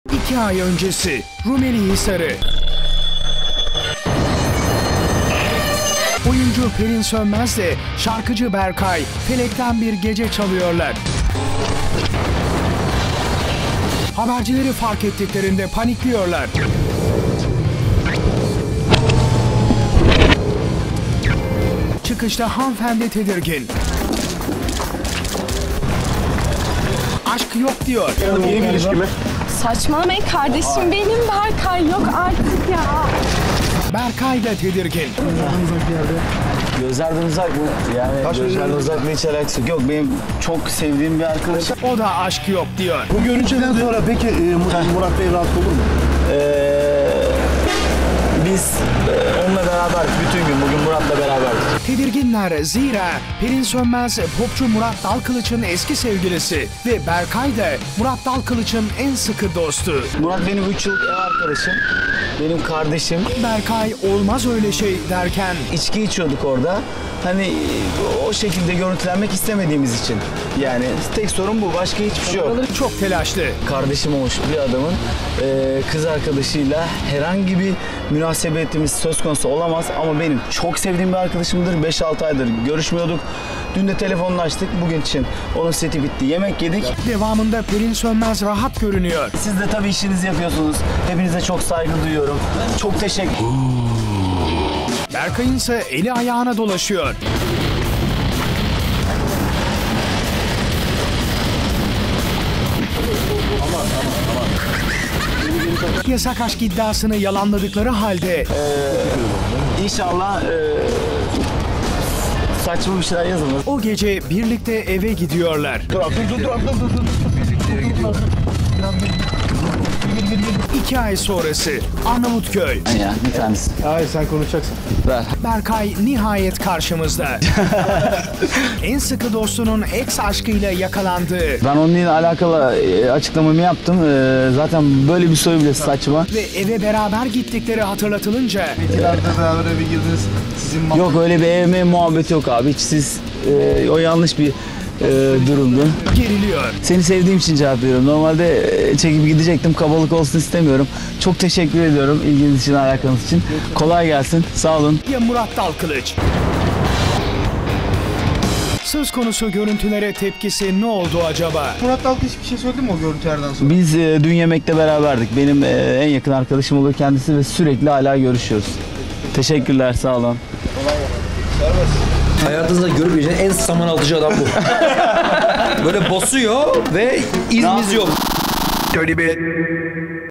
2 ay öncesi Rumeli Hisarı. Oyuncu Pelin Sönmez de şarkıcı Berkay Felekten Bir Gece çalıyorlar. Habercileri fark ettiklerinde panikliyorlar. Çıkışta hanımefendi tedirgin. Aşk yok diyor. Yeni bir ilişki mi? Saçmalamayın kardeşim benim Berkay yok artık ya. Berkay da tedirgin. Gözlerden uzak mı? Yani gözlerden uzak hiç alakası yok. Benim çok sevdiğim bir arkadaşım. O da aşk yok diyor. Bu görüntüden sonra peki Murat Bey rahatsız olur mu? Biz onunla beraber bütün gün bugün Murat'la beraberdik. Tedirginler zira Pelin Sönmez popçu Murat Dalkılıç'ın eski sevgilisi ve Berkay da Murat Dalkılıç'ın en sıkı dostu. Murat benim 3 yıllık ev arkadaşım. Benim kardeşim. Berkay olmaz öyle şey derken İçki içiyorduk orada. Hani o şekilde görüntülenmek istemediğimiz için. Yani tek sorun bu. Başka hiçbir şey yok. çok telaşlı. Kardeşim olmuş bir adamın kız arkadaşıyla herhangi bir münasebetimiz söz konusu olamaz. Ama benim çok sevdiğim bir arkadaşımdır. 5-6 aydır görüşmüyorduk. Dün de telefonlaştık. Bugün için onun seti bitti. Yemek yedik. Devamında Pelin Sönmez rahat görünüyor. Siz de tabii işinizi yapıyorsunuz. Hepinize çok saygı duyuyorum. Çok teşekkür. Berkay'ın ise eli ayağına dolaşıyor. Yasak aşk iddiasını yalanladıkları halde İnşallah saçma bir şeyler yazılmaz. o gece birlikte eve gidiyorlar. Dur. 2 ay sonrası Arnavutköy. Ya bir tanesi. Hayır sen konuşacaksın. Ver. Berkay nihayet karşımızda. En sıkı dostunun ex aşkıyla yakalandığı Ben onunla alakalı açıklamamı yaptım. Zaten böyle bir soru bile saçma. ve eve beraber gittikleri hatırlatılınca İleride beraber eve girdiniz. Sizin Yok öyle bir evme muhabbeti yok abi. Hiç siz o yanlış bir durumdu. geriliyor. Seni sevdiğim için cevap veriyorum. Normalde çekip gidecektim. Kabalık olsun istemiyorum. Çok teşekkür ediyorum ilginiz için, alakanız için. Kolay gelsin. Sağ olun. Ya Murat Dalkılıç? Söz konusu görüntülere tepkisi ne oldu acaba? Murat Dalkılıç bir şey söyledi mi o görüntülerden sonra? Biz dün yemekte beraberdik. Benim en yakın arkadaşım oluyor kendisi ve sürekli hala görüşüyoruz. Teşekkürler. Sağ olun. Hayatınızda görmeyeceğiniz en saman alıcı adam bu. Böyle basıyor ve izimiz yok.